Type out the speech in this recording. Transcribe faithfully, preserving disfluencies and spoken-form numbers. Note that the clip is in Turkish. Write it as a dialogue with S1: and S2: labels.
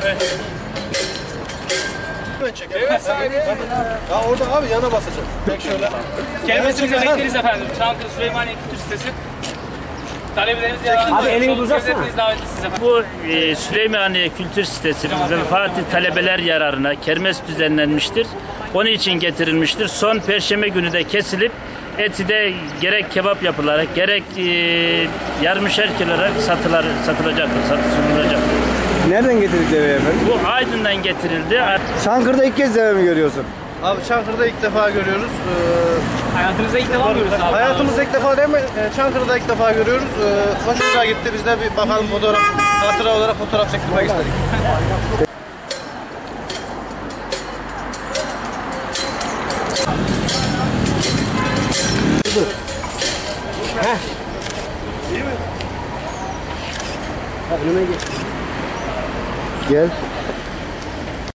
S1: Evet.
S2: Ben çekerim. Evet sahibi. Ya orada abi yana basacağım. Bek şöyle.
S1: Gelmesinizi bekleriz efendim. Çankırı Süleymaniye Kültür Sitesi. Talebelerimiz yararlı.
S3: Abi elini uzatsana.
S1: Bu e, Süleymaniye Kültür Sitesi ve Fatih talebeler yararına kermes düzenlenmiştir. Onun için getirilmiştir. Son Perşembe günü de kesilip eti de gerek kebap yapılarak gerek e, yarmışer kilo olarak satılar, satılacaktır, satılacak.
S3: Nereden getirdik deveyi efendim?
S1: Bu Aydın'dan getirildi.
S3: Çankırı'da ilk kez deve mi görüyorsun?
S2: Abi Çankırı'da ilk defa görüyoruz. Ee,
S1: Hayatınızda ilk defa mı görüyorsunuz abi?
S2: hayatımızda ilk defa değil mi? Ee, Çankırı'da ilk defa görüyoruz. Ee, hoşumuza gitti. Biz de bir bakalım fotoğraf, hatıra olarak fotoğraf çektirmek istedik.
S3: Dur. Heh.
S2: İyi mi?
S3: Ha, önüme gel. Gel.